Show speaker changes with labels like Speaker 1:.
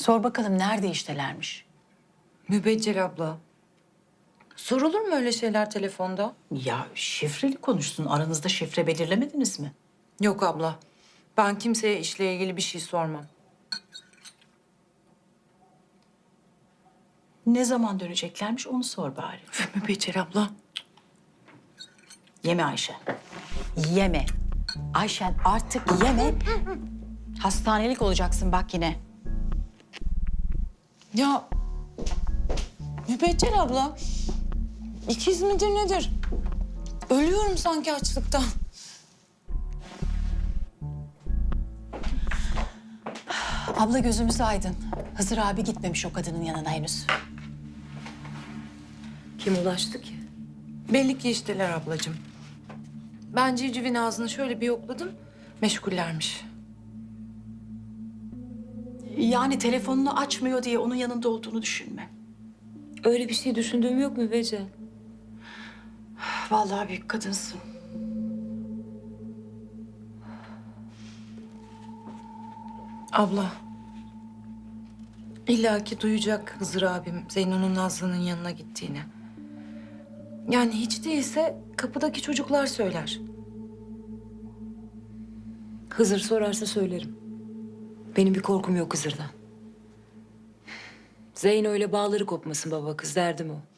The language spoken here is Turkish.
Speaker 1: Sor bakalım nerede iştelermiş?
Speaker 2: Mübeccel abla. Sorulur mu öyle şeyler telefonda?
Speaker 1: Ya şifreli konuşsun. Aranızda şifre belirlemediniz mi?
Speaker 2: Yok abla. Ben kimseye işle ilgili bir şey sormam.
Speaker 1: Ne zaman döneceklermiş onu sor bari.
Speaker 2: Mübeccel abla.
Speaker 1: Yeme Ayşen. Yeme. Ayşen artık yeme. Hastanelik olacaksın bak yine.
Speaker 2: Ya Mübeccel abla. İkiz midir nedir? Ölüyorum sanki açlıktan.
Speaker 1: Abla gözümüz aydın. Hızır abi gitmemiş o kadının yanına henüz.
Speaker 3: Kim ulaştı ki?
Speaker 2: Belli ki işteler ablacığım. Ben civcivin ağzını şöyle bir yokladım. Meşgullermiş.
Speaker 1: Yani telefonunu açmıyor diye onun yanında olduğunu düşünme.
Speaker 3: Öyle bir şey düşündüğüm yok mu Bece?
Speaker 1: Vallahi büyük kadınsın.
Speaker 2: Abla. İlla ki duyacak Hızır abim Zeyno'nun Nazlı'nın yanına gittiğini. Yani hiç değilse kapıdaki çocuklar söyler.
Speaker 3: Hızır sorarsa söylerim. Benim bir korkum yok Hızır'dan. Zeyno öyle bağları kopmasın baba kız derdim o.